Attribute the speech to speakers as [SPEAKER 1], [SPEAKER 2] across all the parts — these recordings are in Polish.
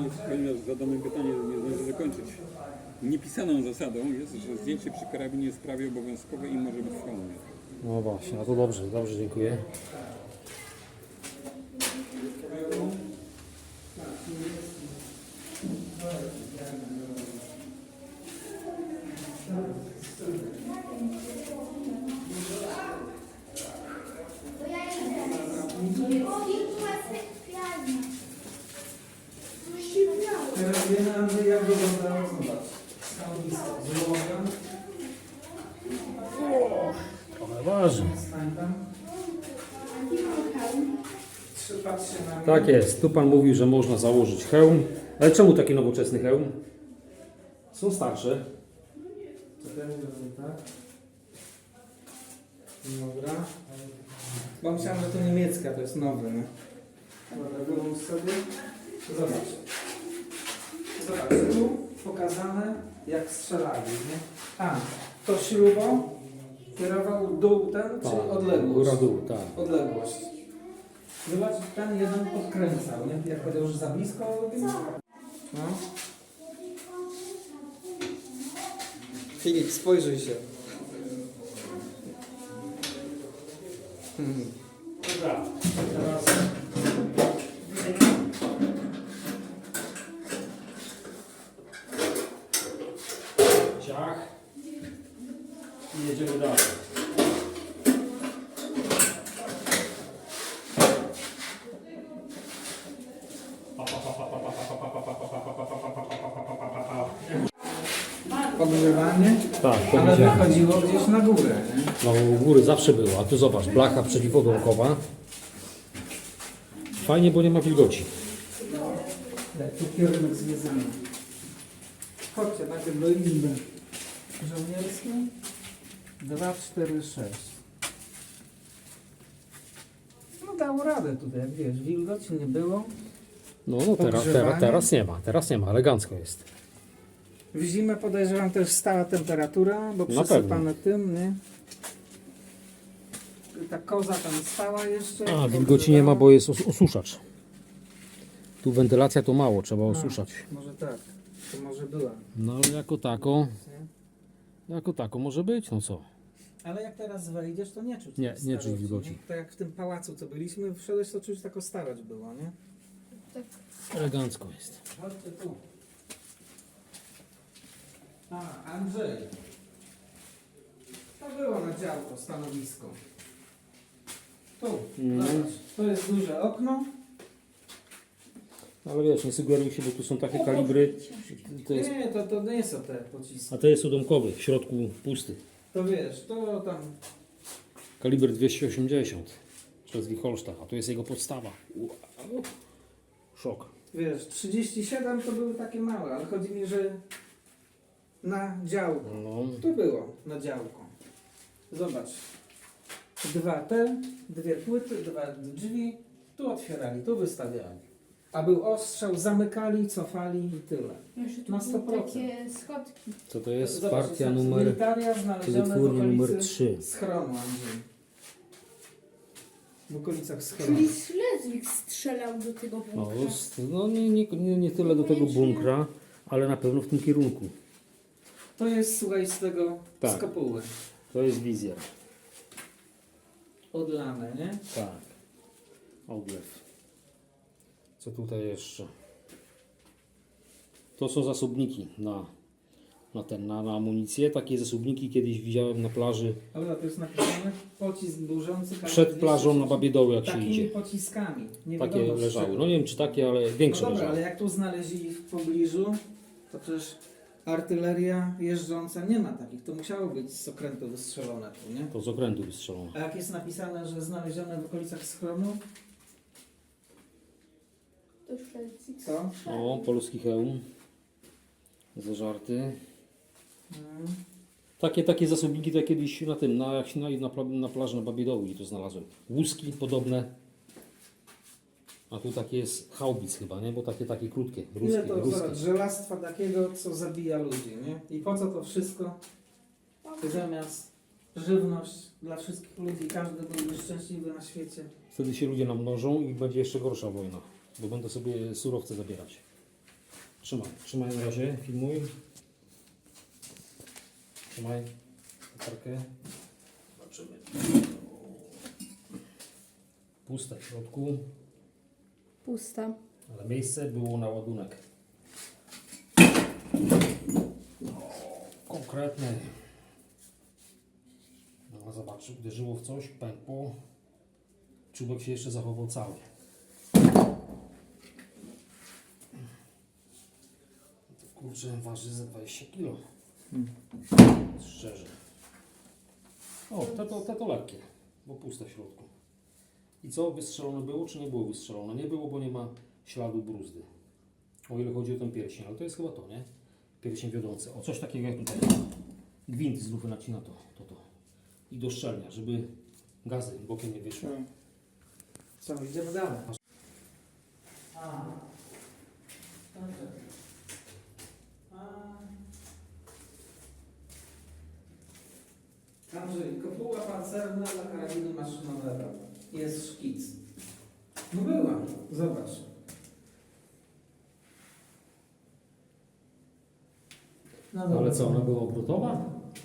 [SPEAKER 1] powinno zadane pytanie nie zdążę dokończyć. Niepisaną zasadą jest, że zdjęcie przy karabinie jest prawie obowiązkowe i może być w hełmie.
[SPEAKER 2] No właśnie, no to dobrze, dobrze, dziękuję.
[SPEAKER 3] Teraz wiemy, Andrzej, jak wyglądało, zobacz. Stanowisko złoga.
[SPEAKER 2] Trochę ważne.
[SPEAKER 3] Stań tam. Patrz się na mnie.
[SPEAKER 2] Tak jest, tu pan mówił, że można założyć hełm. Ale czemu taki nowoczesny hełm? Są starsze.
[SPEAKER 3] To ten zrobię, tak? Dobra. Bo myślałem, że to niemiecka, to jest nowy, nie? Dobra, wyłącz sobie. Zobacz. Zobacz, tu pokazane jak strzelali, nie? A, to śrubą kierował dół ten, czy odległość?
[SPEAKER 2] Góra dół, tak.
[SPEAKER 3] Odległość. Zobacz, ten jeden podkręcał, nie? Jak powiedział, że za blisko robił? No. Filip, spojrzyj się.
[SPEAKER 2] Dobra, teraz... Ciach. I jedziemy dalej.
[SPEAKER 3] Ogrzewanie,
[SPEAKER 2] Tak, to
[SPEAKER 3] ale
[SPEAKER 2] widziałem.
[SPEAKER 3] wychodziło gdzieś na górę, nie?
[SPEAKER 2] No u góry zawsze było, a tu zobacz, blacha przeciwodłamkowa. Fajnie, bo nie ma wilgoci.
[SPEAKER 3] Tu kierunek zwiedzany. Chodźcie najpierw do izby żołnierskiej. 2, 4, 6. No dało radę tutaj, jak wiesz, wilgoci nie było.
[SPEAKER 2] No
[SPEAKER 3] Ogrzewanie.
[SPEAKER 2] teraz nie ma, elegancko jest.
[SPEAKER 3] W zimę podejrzewam też stała temperatura, bo
[SPEAKER 2] Na
[SPEAKER 3] przesypane tym, nie? Ta koza tam stała jeszcze.
[SPEAKER 2] A, wilgoci nie ma, bo jest osuszacz. Tu wentylacja to mało, trzeba osuszać.
[SPEAKER 3] Może tak, to może była.
[SPEAKER 2] No ale jako tako może być, no co?
[SPEAKER 3] Ale jak teraz wejdziesz, to nie czuć
[SPEAKER 2] Nie,
[SPEAKER 3] tej
[SPEAKER 2] nie czuć
[SPEAKER 3] starości,
[SPEAKER 2] wilgoci.
[SPEAKER 3] nie? Tak jak w tym pałacu, co byliśmy, wszedłeś, to czuć taką starość było, nie?
[SPEAKER 2] Elegancko jest.
[SPEAKER 3] Chodźcie tu. A, Andrzej. To było na działko, stanowisko. Tu, zobacz. To jest duże okno.
[SPEAKER 2] Ale wiesz, nie sugeruj się, bo tu są takie kalibry. To jest,
[SPEAKER 3] Nie, to nie są te pociski.
[SPEAKER 2] a to jest udomkowy, w środku pusty.
[SPEAKER 3] To wiesz, to tam...
[SPEAKER 2] Kaliber 280 przez Wicholsztach, a to jest jego podstawa. Wow. Szok.
[SPEAKER 3] Wiesz, 37 to były takie małe, ale chodzi mi, że na działko.
[SPEAKER 2] No.
[SPEAKER 3] Tu było, na działko. Zobacz. Dwie płyty, 2 drzwi. Tu otwierali, tu wystawiali. A był ostrzał, zamykali, cofali i tyle.
[SPEAKER 4] Jeszcze tu
[SPEAKER 3] Na
[SPEAKER 4] były
[SPEAKER 3] 100%.
[SPEAKER 4] takie schodki.
[SPEAKER 2] Co to jest?
[SPEAKER 3] Zobacz,
[SPEAKER 2] Partia
[SPEAKER 3] jest
[SPEAKER 2] numer...
[SPEAKER 3] militaria znalezione w
[SPEAKER 2] Wytwórnia numer
[SPEAKER 3] okolicy
[SPEAKER 2] 3.
[SPEAKER 3] schronu, Andrzej. W okolicach schronu.
[SPEAKER 4] Czyli Schleswig strzelał do tego
[SPEAKER 2] No,
[SPEAKER 4] bunkra.
[SPEAKER 2] no nie tyle do tego bunkra, ale na pewno w tym kierunku.
[SPEAKER 3] To jest, słuchaj, z tego,
[SPEAKER 2] Tak.
[SPEAKER 3] z kopuły.
[SPEAKER 2] To jest wizjer.
[SPEAKER 3] Odlane, nie?
[SPEAKER 2] Tak. Oglew. Co tutaj jeszcze? To są zasobniki na amunicję. Takie zasobniki kiedyś widziałem na plaży
[SPEAKER 3] Dobra, to jest napisane pocisk burzący.
[SPEAKER 2] przed plażą na Babiedoły, jak się
[SPEAKER 3] Takimi
[SPEAKER 2] idzie.
[SPEAKER 3] pociskami. Nie
[SPEAKER 2] Takie
[SPEAKER 3] wiadomo, z
[SPEAKER 2] leżały.
[SPEAKER 3] czego.
[SPEAKER 2] No nie wiem czy takie, ale większe
[SPEAKER 3] No dobra,
[SPEAKER 2] leżały.
[SPEAKER 3] ale jak tu znaleźli w pobliżu, to przecież artyleria jeżdżąca nie ma takich. To musiało być z okrętu wystrzelone tu, nie?
[SPEAKER 2] To z okrętu wystrzelone.
[SPEAKER 3] A jak jest napisane, że znalezione w okolicach schronu,
[SPEAKER 4] To Schleswig.
[SPEAKER 3] to...
[SPEAKER 2] O, polski hełm. Zażarty.
[SPEAKER 3] Mm,
[SPEAKER 2] Takie zasobniki to kiedyś na plaży na Babiedowi to znalazłem. Łuski podobne. A tu takie jest haubic chyba, nie? Bo takie krótkie,
[SPEAKER 3] ile to
[SPEAKER 2] ruskie.
[SPEAKER 3] zobacz, żelastwa takiego, co zabija ludzi, nie? I po co to wszystko? Zamiast żywność dla wszystkich ludzi, każdy byłby szczęśliwy na świecie.
[SPEAKER 2] Wtedy się ludzie namnożą i będzie jeszcze gorsza wojna, bo będą sobie surowce zabierać. Trzymaj na razie, filmuj. Trzymaj latarkę. Zobaczymy. Puste w środku,
[SPEAKER 4] Pusta.
[SPEAKER 2] ale miejsce było na ładunek. Konkretny. No zobacz, uderzyło w coś, pękło. Czubek się jeszcze zachował cały. Kurczę, waży ze 20 kg. Szczerze. O, to lekkie, bo puste w środku. I co, wystrzelone było, czy nie było wystrzelone? Nie było, bo nie ma śladu bruzdy. O ile chodzi o ten pierścień, ale to jest chyba to, nie? Pierścień wiodący. O, coś takiego jak tutaj. Gwint z lufy nacina to. I do szczelnia, żeby gazy bokiem nie wyszły.
[SPEAKER 3] Co, idziemy dalej. A. Dobrze. Andrzej, kopuła pancerna dla karabinu maszynowego. Jest szkic. No była, zobacz. No
[SPEAKER 2] Ale co, ona była obrotowa?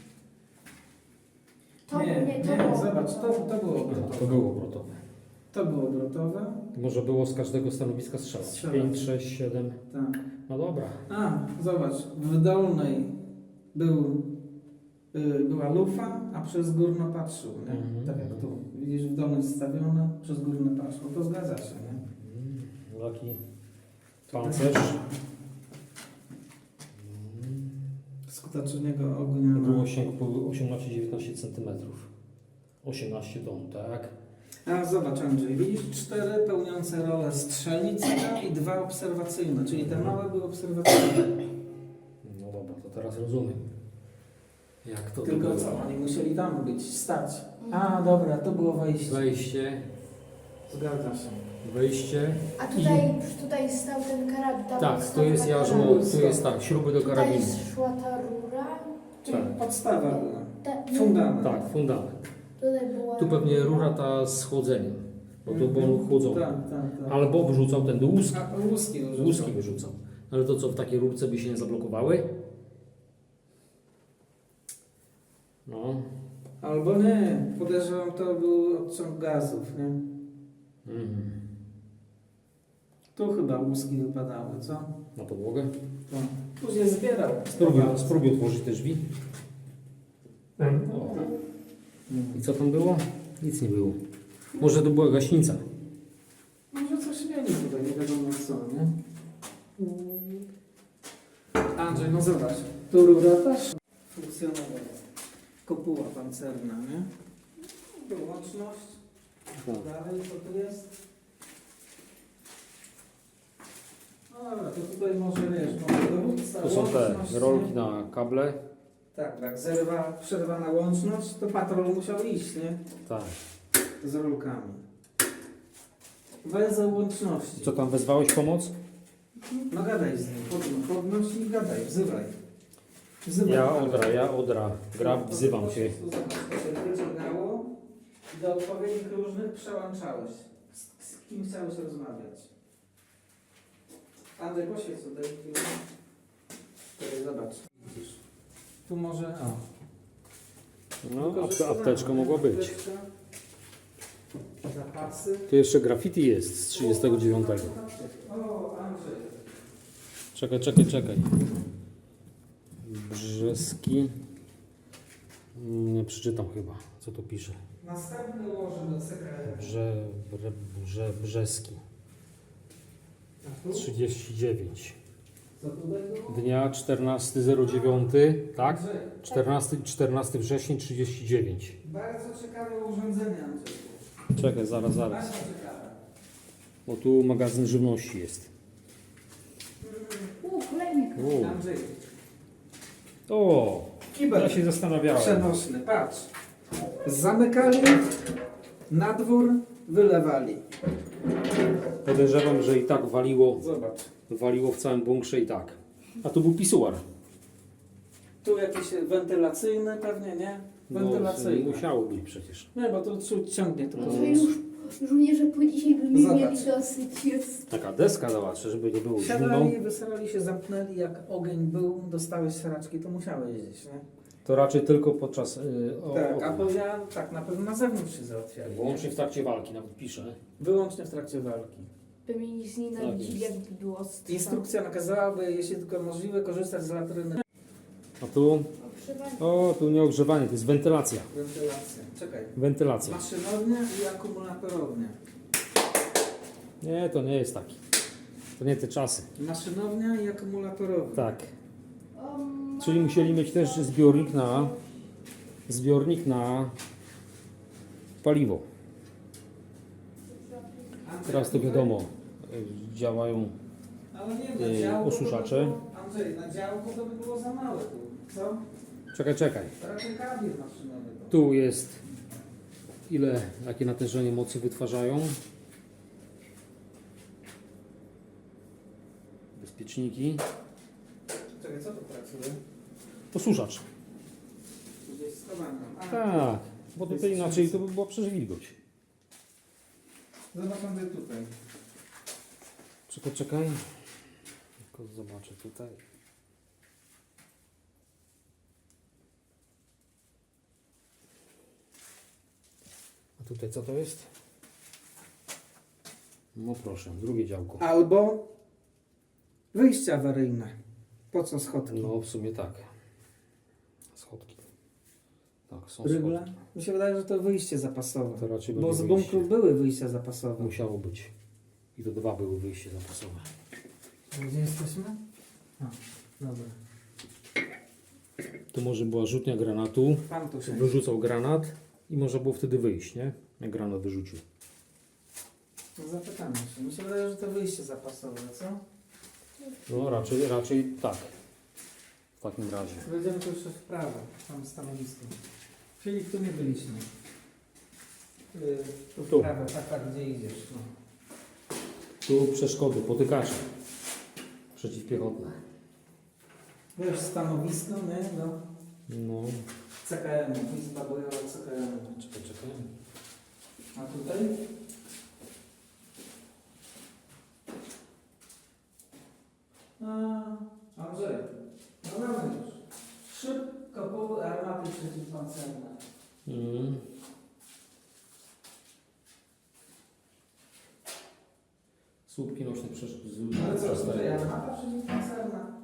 [SPEAKER 3] Nie, zobacz, to było obrotowe.
[SPEAKER 2] To było obrotowe.
[SPEAKER 3] To było obrotowe.
[SPEAKER 2] Może było z każdego stanowiska strzelać.
[SPEAKER 3] Strzelać.
[SPEAKER 2] 5, 6, 7.
[SPEAKER 3] Tak.
[SPEAKER 2] No dobra.
[SPEAKER 3] A, zobacz, w dolnej była lufa, a przez górno patrzył, nie?
[SPEAKER 2] Mhm.
[SPEAKER 3] Tak jak tu. Widzisz, w dolnej stawione, przez górno patrzył. To zgadza się, nie?
[SPEAKER 2] Taki pancerz.
[SPEAKER 3] Skutecznego ognia.
[SPEAKER 2] Było sięgu 18-19 cm. 18 ton, tak?
[SPEAKER 3] A zobacz, Andrzej, widzisz 4 pełniące rolę strzelnicę i 2 obserwacyjne, czyli te małe były obserwacyjne.
[SPEAKER 2] No dobra, to teraz rozumiem. Jak to
[SPEAKER 3] Tylko
[SPEAKER 2] było?
[SPEAKER 3] co, oni musieli tam być, stać. A dobra, to było wejście.
[SPEAKER 2] Wejście,
[SPEAKER 3] Zgadza się.
[SPEAKER 2] wejście.
[SPEAKER 4] A tutaj stał ten karabin. Tam
[SPEAKER 2] Tak,
[SPEAKER 4] stał
[SPEAKER 2] to jest
[SPEAKER 4] ten
[SPEAKER 2] jarzmo,
[SPEAKER 4] karabin.
[SPEAKER 2] tu jest tak, śruby do
[SPEAKER 4] Tutaj
[SPEAKER 2] karabinu.
[SPEAKER 4] szła ta rura.
[SPEAKER 3] Czyli
[SPEAKER 2] Tak.
[SPEAKER 3] podstawa była.
[SPEAKER 4] Ta,
[SPEAKER 3] Fundament.
[SPEAKER 2] Tak, fundament.
[SPEAKER 4] Tutaj była
[SPEAKER 2] Tu pewnie rura ta z chłodzeniem, bo to było chłodzone.
[SPEAKER 3] Tak, tak.
[SPEAKER 2] Albo wyrzucał ten łuski.
[SPEAKER 3] A łuski wyrzucał.
[SPEAKER 2] Łuski wyrzucał. Ale to co, w takiej rurce by się nie zablokowały? No.
[SPEAKER 3] Albo nie, podejrzewam, to był odciąg gazów, nie?
[SPEAKER 2] Mhm.
[SPEAKER 3] Tu chyba łuski wypadały, co?
[SPEAKER 2] Na podłogę.
[SPEAKER 3] To. Później zbierał.
[SPEAKER 2] Spróbuj otworzyć te drzwi. O. I co tam było? Nic nie było. Może to była gaśnica.
[SPEAKER 3] Może coś mieli tutaj, nie wiadomo co, nie? Andrzej, no zobacz. Tu rura też funkcjonowała. Kopuła pancerna, nie? Wyłączność. Dalej, co tu jest? No dobra, to tutaj może wiesz, może dowódca,
[SPEAKER 2] To są te
[SPEAKER 3] łączność,
[SPEAKER 2] rolki
[SPEAKER 3] nie?
[SPEAKER 2] na kable.
[SPEAKER 3] Tak, przerwana łączność, to patrol musiał iść, nie?
[SPEAKER 2] Tak.
[SPEAKER 3] Z rolkami. Węzeł łączności.
[SPEAKER 2] Co tam, wezwałeś pomoc?
[SPEAKER 3] No gadaj z nim, podnoś i gadaj, wzywaj. Wzywaj.
[SPEAKER 2] Ja odra. Wzywam cię.
[SPEAKER 3] Zobacz, to się wyciągało i do odpowiednich różnych przełączałeś. Z kim chciałeś rozmawiać? Andrzej, poświeć tutaj chwilę. Tutaj zobacz. Widzisz. Tu może... O.
[SPEAKER 2] No, apteczka mogła być.
[SPEAKER 3] Apteczka. Zapasy.
[SPEAKER 2] Tu jeszcze graffiti jest z 39.
[SPEAKER 3] O, Andrzej.
[SPEAKER 2] Czekaj. Brzeski. Nie przeczytam chyba, co tu pisze.
[SPEAKER 3] Następny łoże do CKR.
[SPEAKER 2] Brzeski.
[SPEAKER 3] A tu?
[SPEAKER 2] 39.
[SPEAKER 3] Co tutaj było?
[SPEAKER 2] Dnia 14.09, tak?
[SPEAKER 3] Andrzej,
[SPEAKER 2] 14 września 39.
[SPEAKER 3] bardzo ciekawe urządzenie, Andrzej.
[SPEAKER 2] Czekaj, zaraz.
[SPEAKER 3] Bardzo ciekawe.
[SPEAKER 2] Bo tu magazyn żywności jest.
[SPEAKER 4] kolejny.
[SPEAKER 3] Andrzej,
[SPEAKER 2] O,
[SPEAKER 3] kibel
[SPEAKER 2] ja się zastanawiałem.
[SPEAKER 3] przenośny, patrz. Zamykali, na dwór, wylewali.
[SPEAKER 2] Podejrzewam, że i tak
[SPEAKER 3] Zobacz.
[SPEAKER 2] w całym bunkrze i tak. A tu był pisuar.
[SPEAKER 3] Tu jakiś wentylacyjny pewnie, nie? Wentylacyjny.
[SPEAKER 2] No, musiało być przecież.
[SPEAKER 3] Nie, bo to ciągnie to.
[SPEAKER 2] No.
[SPEAKER 4] To już Żołnierze po dzisiaj by mi
[SPEAKER 3] Zobacz.
[SPEAKER 4] mieli dosyć. Jest.
[SPEAKER 2] Taka deska zobaczę, żeby nie było zimno.
[SPEAKER 3] Siadali, wysrali się, zamknęli, jak ogień był, dostałeś sraczki, to musiałeś jeździć, nie?
[SPEAKER 2] To raczej tylko podczas...
[SPEAKER 3] Tak, a powiedziałem, tak, na pewno na zewnątrz się załatwiali.
[SPEAKER 2] Wyłącznie w trakcie walki, nawet pisze.
[SPEAKER 3] Wyłącznie w trakcie walki.
[SPEAKER 4] By mnie nie znienawidzili,
[SPEAKER 2] Tak
[SPEAKER 4] jakby było ostre.
[SPEAKER 3] Instrukcja nakazałaby, jeśli tylko możliwe, korzystać z latryny.
[SPEAKER 2] A tu...
[SPEAKER 4] Ogrzewanie.
[SPEAKER 2] O, tu nie ogrzewanie, to jest wentylacja.
[SPEAKER 3] Wentylacja. Czekaj.
[SPEAKER 2] Wentylacja.
[SPEAKER 3] Maszynownia i akumulatorownia.
[SPEAKER 2] Nie, to nie jest taki. To nie te czasy.
[SPEAKER 3] Maszynownia i akumulatorownia.
[SPEAKER 2] Tak.
[SPEAKER 4] O,
[SPEAKER 2] Czyli musieli mieć też zbiornik na paliwo. Teraz to wiadomo, działają
[SPEAKER 3] Ale nie, na działko
[SPEAKER 2] osuszacze.
[SPEAKER 3] to by było, Andrzej, na działko to by było za małe tu. Co?
[SPEAKER 2] Czekaj.
[SPEAKER 3] Raczej kabel maszynowy to.
[SPEAKER 2] Tu jest jakie natężenie mocy wytwarzają. Bezpieczniki.
[SPEAKER 3] Czekaj, co tu pracuje?
[SPEAKER 2] Osuszacz.
[SPEAKER 3] Gdzieś schowano. A,
[SPEAKER 2] Tak, bo tutaj inaczej to by była przecież wilgoć.
[SPEAKER 3] Zobacz Andrzej tutaj.
[SPEAKER 2] Czekaj. Tylko zobaczę tutaj. A tutaj co to jest? No proszę, drugie działko.
[SPEAKER 3] Albo wyjście awaryjne. Po co schodki?
[SPEAKER 2] No w sumie tak. Schodki. Tak, są
[SPEAKER 3] Rygle?
[SPEAKER 2] schodki.
[SPEAKER 3] Mi się wydaje, że to wyjście zapasowe.
[SPEAKER 2] To raczej
[SPEAKER 3] Bo
[SPEAKER 2] będzie
[SPEAKER 3] z
[SPEAKER 2] wyjście.
[SPEAKER 3] bunkru były wyjścia zapasowe.
[SPEAKER 2] Musiało być. I to 2 były wyjście zapasowe.
[SPEAKER 3] Gdzie jesteśmy? A, dobra.
[SPEAKER 2] Tu może była rzutnia granatu.
[SPEAKER 3] Pan tu się.
[SPEAKER 2] Wyrzucał granat i można było wtedy wyjść, nie? Jak granat wyrzucił.
[SPEAKER 3] Zapytamy się. Mi się wydaje, że to wyjście zapasowe, co?
[SPEAKER 2] No raczej tak. W takim razie.
[SPEAKER 3] Będziemy tu jeszcze w prawo, tam stanowisko. Czyli tu nie byliśmy. Tu w
[SPEAKER 2] Tu.
[SPEAKER 3] prawo, tak, gdzie idziesz. No.
[SPEAKER 2] Tu przeszkody, potykacze. Przeciwpiechotne.
[SPEAKER 3] Wiesz, stanowisko, nie? No.
[SPEAKER 2] No.
[SPEAKER 3] CKM, Izba Bojowa CKM.
[SPEAKER 2] Czekaj.
[SPEAKER 3] A tutaj? Andrzej, no mamy już. Szyb, kopuły, armaty przeciwpancerne.
[SPEAKER 2] Mm. Słupki nośne
[SPEAKER 3] Ale co, tutaj armata przeciwpancerna?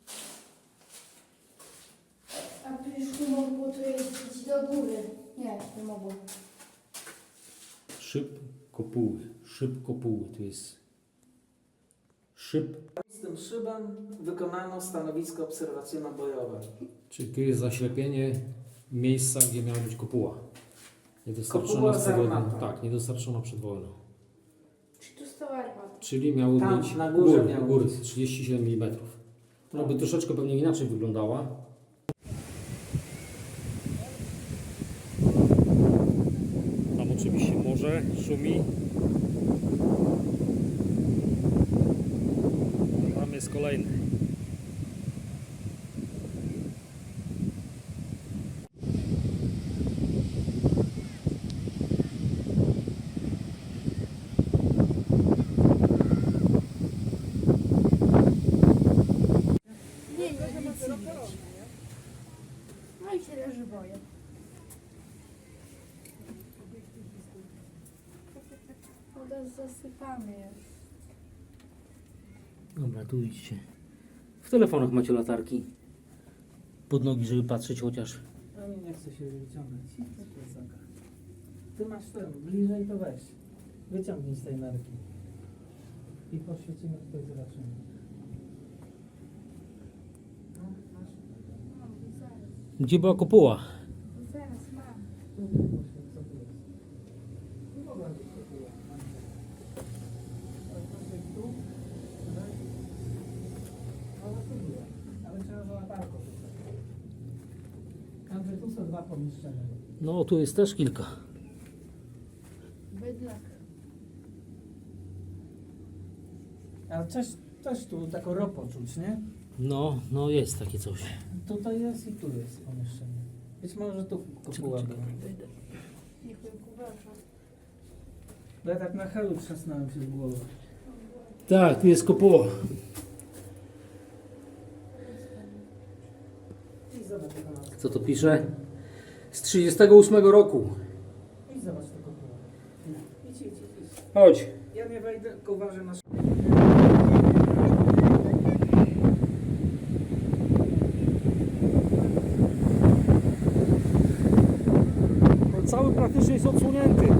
[SPEAKER 4] A przecież nie mogło to jeździć do góry. Nie mogło.
[SPEAKER 2] Szyb kopuły. Tu jest szyb.
[SPEAKER 3] Z tym szybem wykonano stanowisko obserwacyjno-bojowe.
[SPEAKER 2] Czyli tu jest zaślepienie miejsca, gdzie miała być kopuła. Niedostarczona
[SPEAKER 3] Kopuła
[SPEAKER 2] przed
[SPEAKER 3] z
[SPEAKER 2] wojną.
[SPEAKER 3] armatą.
[SPEAKER 2] Tak, niedostarczona przed wojną.
[SPEAKER 4] Czy tu stała armata?
[SPEAKER 2] Czyli miały
[SPEAKER 3] Tam,
[SPEAKER 2] być
[SPEAKER 3] na górze miało
[SPEAKER 2] góry
[SPEAKER 3] być.
[SPEAKER 2] 37 mm. Ona by troszeczkę pewnie inaczej wyglądała. Tam oczywiście morze szumi. Tam jest kolejny.
[SPEAKER 4] Nie nic nie widać. No i się leży boję. Woda zasypany jest.
[SPEAKER 2] Dobra, tu idźcie. W telefonach macie latarki. Pod nogi, żeby patrzeć chociaż.
[SPEAKER 3] Ani nie chce się wyciągnąć. Ty masz ten, bliżej to weź. Wyciągnij z tej nerki. I poświecimy tutaj, zobaczymy. No, masz.
[SPEAKER 4] No, zaraz.
[SPEAKER 2] Gdzie była kopuła?
[SPEAKER 4] Zaraz mam.
[SPEAKER 3] Tu poświeć, co tu jest. Nie mogła być kopuła. Ale poświeć tu. Tutaj. Ale tu była. Ale trzeba było latarką. Andrzej, tu są 2 pomieszczenia.
[SPEAKER 2] No, tu jest też kilka.
[SPEAKER 4] Bydlak.
[SPEAKER 3] Ale coś tu taką ropą czuć, nie?
[SPEAKER 2] No jest takie coś.
[SPEAKER 3] Tutaj jest i tu jest pomieszczenie. Być może tu kopuła była.
[SPEAKER 4] Niech mnie uważa.
[SPEAKER 3] Bo ja tak na helu trzasnąłem się w głowę.
[SPEAKER 2] Tak, tu jest kopuła.
[SPEAKER 3] I zobacz jaka nazwa.
[SPEAKER 2] Co to pisze? Z 38 roku.
[SPEAKER 3] I zobacz tę kopułę. Idź.
[SPEAKER 2] Chodź.
[SPEAKER 3] Ja nie wejdę, tylko uważaj na
[SPEAKER 2] Cały praktycznie jest odsłonięty.